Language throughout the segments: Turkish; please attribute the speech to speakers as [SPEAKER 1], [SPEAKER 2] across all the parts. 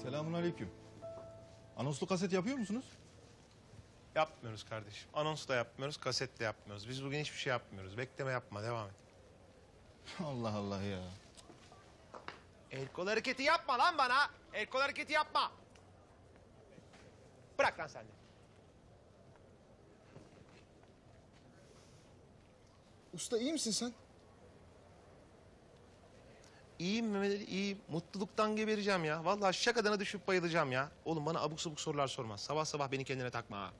[SPEAKER 1] Selamünaleyküm. Anonslu kaset yapıyor musunuz?
[SPEAKER 2] Yapmıyoruz kardeşim. Anons da yapmıyoruz, kaset de yapmıyoruz. Biz bugün hiçbir şey yapmıyoruz. Bekleme yapma, devam et.
[SPEAKER 1] Allah Allah ya.
[SPEAKER 2] El kol hareketi yapma lan bana. El kol hareketi yapma. Bırak lan sen de.
[SPEAKER 3] Usta iyi misin sen?
[SPEAKER 2] İyiyim Mehmet Ali, iyiyim. Mutluluktan gebereceğim ya. Vallahi şakadan düşüp bayılacağım ya. Oğlum bana abuk sabuk sorular sorma. Sabah sabah beni kendine takma ha.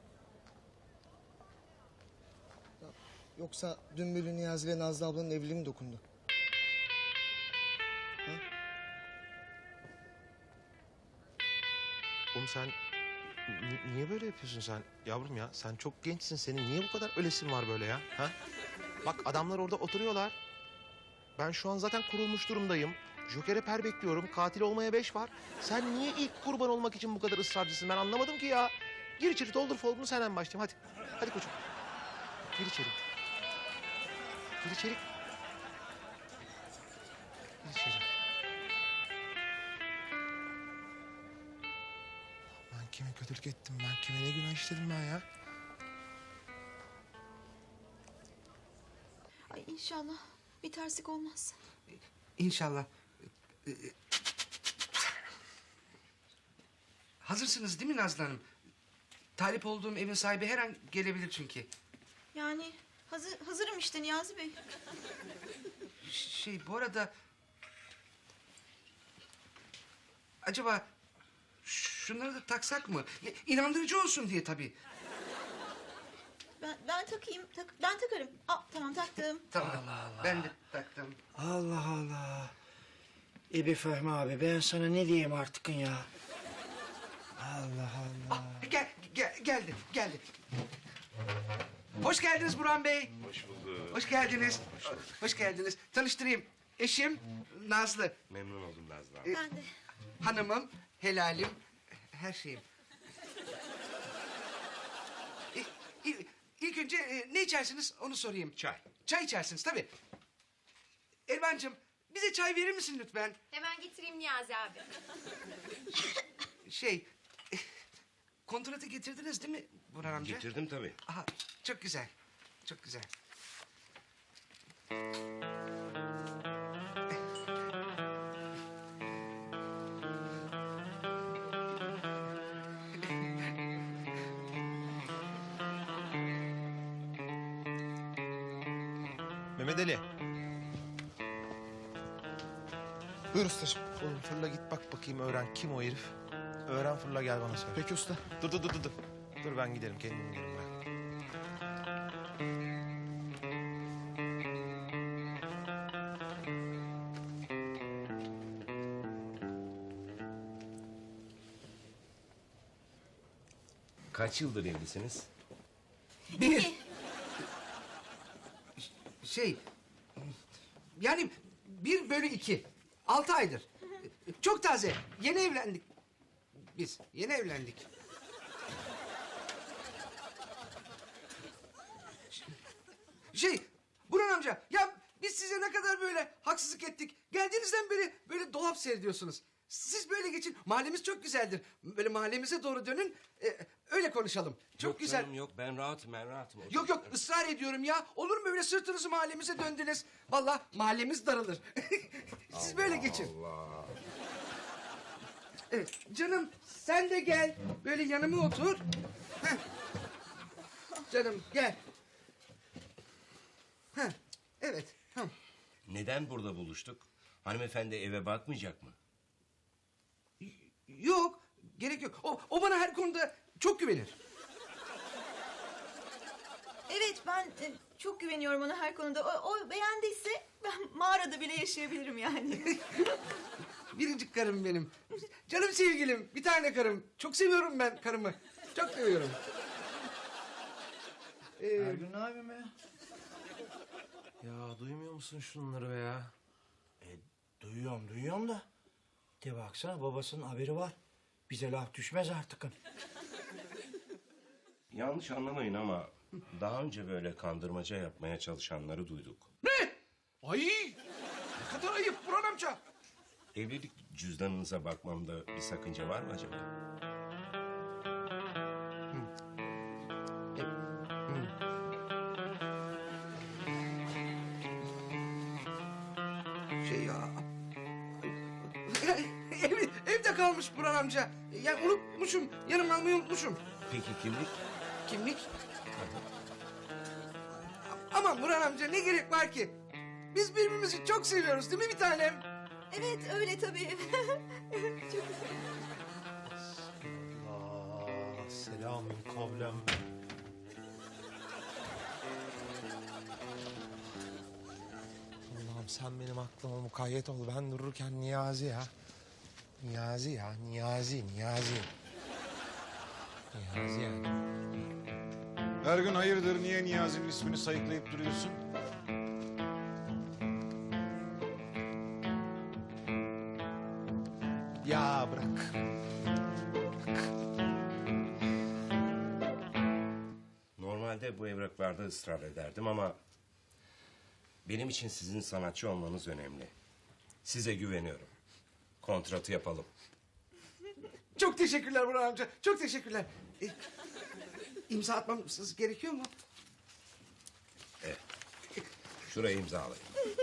[SPEAKER 3] Yoksa dün böyle Niyazi ile Nazlı ablanın evliliği mi dokundu?
[SPEAKER 2] Oğlum sen niye böyle yapıyorsun sen yavrum ya? Sen çok gençsin. Senin niye bu kadar ölesin var böyle ya? Ha? Bak adamlar orada oturuyorlar. Ben şu an zaten kurulmuş durumdayım. Joker'e per bekliyorum. Katil olmaya 5 var. Sen niye ilk kurban olmak için bu kadar ısrarcısın? Ben anlamadım ki ya. Gir içeri doldur folder'ını senden başlayayım. Hadi. Hadi koçum. Gir içeri. Gir içeri. Gir içeri. Ben kime kötülük ettim? Ben kime ne günah işledim ben ya?
[SPEAKER 4] Ay inşallah bir terslik olmaz.
[SPEAKER 5] İnşallah. Hazırsınız değil mi Nazlı Hanım? Talip olduğum evin sahibi her an gelebilir çünkü.
[SPEAKER 4] Yani hazırım işte Niyazi Bey.
[SPEAKER 5] Bu arada... Acaba şunları da taksak mı? Ya, İnandırıcı olsun diye tabii.
[SPEAKER 4] Ben takayım. Ben takarım. Tamam taktım.
[SPEAKER 5] Tamam. Ben de taktım.
[SPEAKER 6] Allah Allah. İbi Fehmi abi ben sana ne diyeyim artık ya? Allah Allah.
[SPEAKER 5] Geldi. Hoş geldiniz Burhan Bey.
[SPEAKER 7] Hoş bulduk.
[SPEAKER 5] Hoş geldiniz. Hoş geldiniz. Tanıştırayım. Eşim Nazlı.
[SPEAKER 7] Memnun oldum Nazlı abi.
[SPEAKER 4] Ben de.
[SPEAKER 5] Hanımım, helalim, her şeyim. İlk önce ne içersiniz onu sorayım.
[SPEAKER 7] Çay.
[SPEAKER 5] Çay içersiniz tabii. Elvancığım bize çay verir misin lütfen?
[SPEAKER 8] Hemen getireyim Niyazi abi.
[SPEAKER 5] Kontratı getirdiniz değil mi Burhan amca?
[SPEAKER 7] Getirdim tabii.
[SPEAKER 5] Aha, çok güzel. Çok güzel.
[SPEAKER 2] Mehmet Ali.
[SPEAKER 3] Buyur ustacığım.
[SPEAKER 2] Oğlum fırla git bak bakayım öğren kim o herif. Öğren fırla gel bana söyle.
[SPEAKER 3] Peki usta.
[SPEAKER 2] Dur. Dur ben giderim kendim giderim ben.
[SPEAKER 7] Kaç yıldır evlisiniz?
[SPEAKER 5] Bir. Yani 1/2. 6 aydır. Çok taze. Yeni evlendik. Biz yeni evlendik. Burhan amca ya biz size ne kadar böyle haksızlık ettik. Geldiğinizden beri böyle dolap seyrediyorsunuz. Siz böyle geçin. Mahallemiz çok güzeldir. Böyle mahallemize doğru dönün. Öyle konuşalım. Çok
[SPEAKER 7] Yok
[SPEAKER 5] güzel.
[SPEAKER 7] canım, yok ben rahatım.
[SPEAKER 5] Yok ısrar ediyorum ya. Olur mu öyle sırtınızı mahallemize döndünüz? Vallahi mahallemiz daralır. Siz böyle geçin.
[SPEAKER 7] Allah.
[SPEAKER 5] Evet canım sen de gel. Böyle yanıma otur. Heh. Canım gel. Evet.
[SPEAKER 7] Neden burada buluştuk? Hanımefendi eve bakmayacak mı?
[SPEAKER 5] Yok gerek yok. O bana her konuda çok güvenir.
[SPEAKER 4] Evet ben çok güveniyorum ona her konuda. O beğendiyse ben mağarada bile yaşayabilirim yani.
[SPEAKER 5] Biricik karım benim. Canım sevgilim. Bir tane karım. Çok seviyorum ben karımı. Çok seviyorum.
[SPEAKER 6] Ergün ne yapayım be?
[SPEAKER 2] Ya duymuyor musun şunları be ya?
[SPEAKER 6] Duyuyorum da. De baksana babasının haberi var. Bize laf düşmez artık.
[SPEAKER 7] Yanlış anlamayın ama daha önce böyle kandırmaca yapmaya çalışanları duyduk.
[SPEAKER 5] Ne? Ay! Ne kadar ayıp Burhan amca.
[SPEAKER 7] Evlilik cüzdanınıza bakmamda bir sakınca var mı acaba?
[SPEAKER 5] Şey ya... evde kalmış Burhan amca. Ya unutmuşum. Yanıma almayı unutmuşum.
[SPEAKER 7] Peki kimlik?
[SPEAKER 5] Kimlik? Aman Burhan amca ne gerek var ki? Biz birbirimizi çok seviyoruz değil mi bir tanem?
[SPEAKER 4] Evet öyle tabii. Çok
[SPEAKER 2] Allah selamün kavlem. Allah'ım sen benim aklıma mukayyet ol. Ben dururken Niyazi ya. Niyazi ya, Niyazi. Niyazi yani.
[SPEAKER 1] Her gün hayırdır niye Niyazi'nin ismini sayıklayıp duruyorsun?
[SPEAKER 2] Ya bırak.
[SPEAKER 7] Normalde bu evraklarda ısrar ederdim ama... benim için sizin sanatçı olmanız önemli. Size güveniyorum. Kontratı yapalım.
[SPEAKER 5] Çok teşekkürler Burhan amca. Çok teşekkürler. İmza atmamız gerekiyor mu?
[SPEAKER 7] Şuraya imzalayın.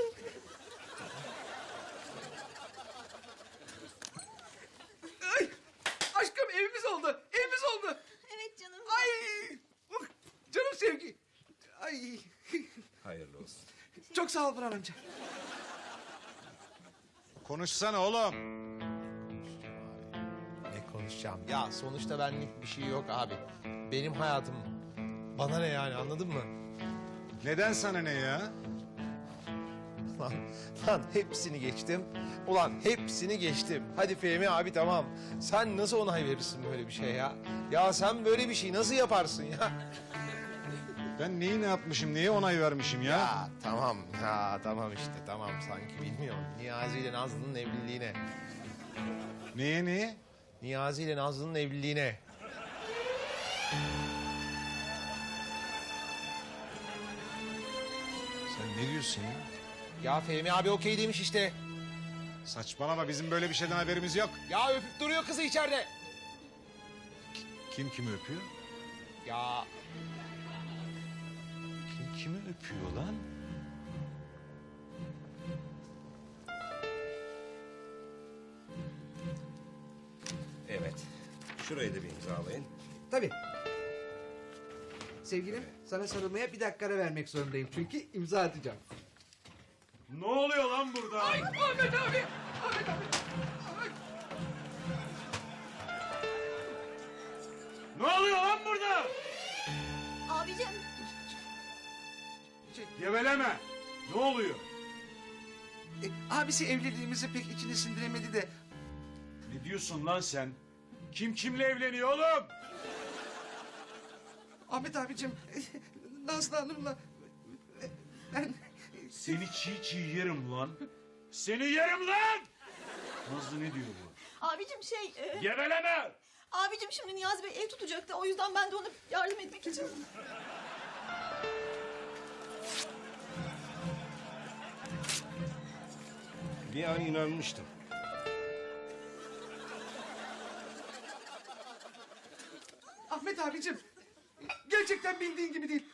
[SPEAKER 5] Ay, aşkım evimiz oldu. Evimiz oldu.
[SPEAKER 4] Evet canım.
[SPEAKER 5] Ay, oh, canım sevgi. Ay,
[SPEAKER 7] Hayırlı olsun.
[SPEAKER 5] çok sağ ol Burhan amca.
[SPEAKER 1] Konuşsana oğlum.
[SPEAKER 2] Ne konuşacağım? Ya sonuçta benlik bir şey yok abi. Benim hayatım. Bana ne yani anladın mı?
[SPEAKER 1] Neden sana ne ya?
[SPEAKER 2] Lan hepsini geçtim. Ulan hepsini geçtim. Hadi Fehmi abi tamam. Sen nasıl onay verirsin böyle bir şey ya? Ya sen böyle bir şey nasıl yaparsın ya?
[SPEAKER 1] Ben neyi ne yapmışım, neye onay vermişim ya?
[SPEAKER 2] Ya tamam işte tamam sanki bilmiyorum. Niyazi ile Nazlı'nın evliliğine.
[SPEAKER 1] Neye?
[SPEAKER 2] Niyazi ile Nazlı'nın evliliğine.
[SPEAKER 1] Sen ne diyorsun ya?
[SPEAKER 2] Ya Fehmi abi okey demiş işte.
[SPEAKER 1] Saçmalama, bizim böyle bir şeyden haberimiz yok.
[SPEAKER 2] Ya öpüp duruyor kızı içeride.
[SPEAKER 1] Kim kimi öpüyor?
[SPEAKER 2] Ya
[SPEAKER 1] Kim kimi öpüyor lan?
[SPEAKER 7] Evet. Şurayı da bir imzalayın.
[SPEAKER 5] Tabii. Sevgilim sana sarılmaya bir dakika ara vermek zorundayım. Çünkü imza atacağım.
[SPEAKER 1] Ne oluyor lan burada?
[SPEAKER 5] Ay Ahmet abi. Ahmet abi. Ay.
[SPEAKER 1] Ne oluyor lan burada?
[SPEAKER 4] Abicim.
[SPEAKER 1] Geveleme. Ne oluyor?
[SPEAKER 5] Abisi evliliğimizi pek içine sindiremedi de.
[SPEAKER 1] Ne diyorsun lan sen? Kim kimle evleniyor oğlum?
[SPEAKER 5] Ahmet abicim Nazlı Hanım'la ben...
[SPEAKER 1] Seni çiğ çiğ yerim lan. Seni yerim lan! Nazlı ne diyor bu?
[SPEAKER 4] Abicim
[SPEAKER 1] Geveleme!
[SPEAKER 4] abicim şimdi Niyazi Bey ev tutacaktı. O yüzden ben de ona yardım etmek için.
[SPEAKER 7] Bir an inanmıştım.
[SPEAKER 5] Ahmet abicim gerçekten bildiğin gibi değil.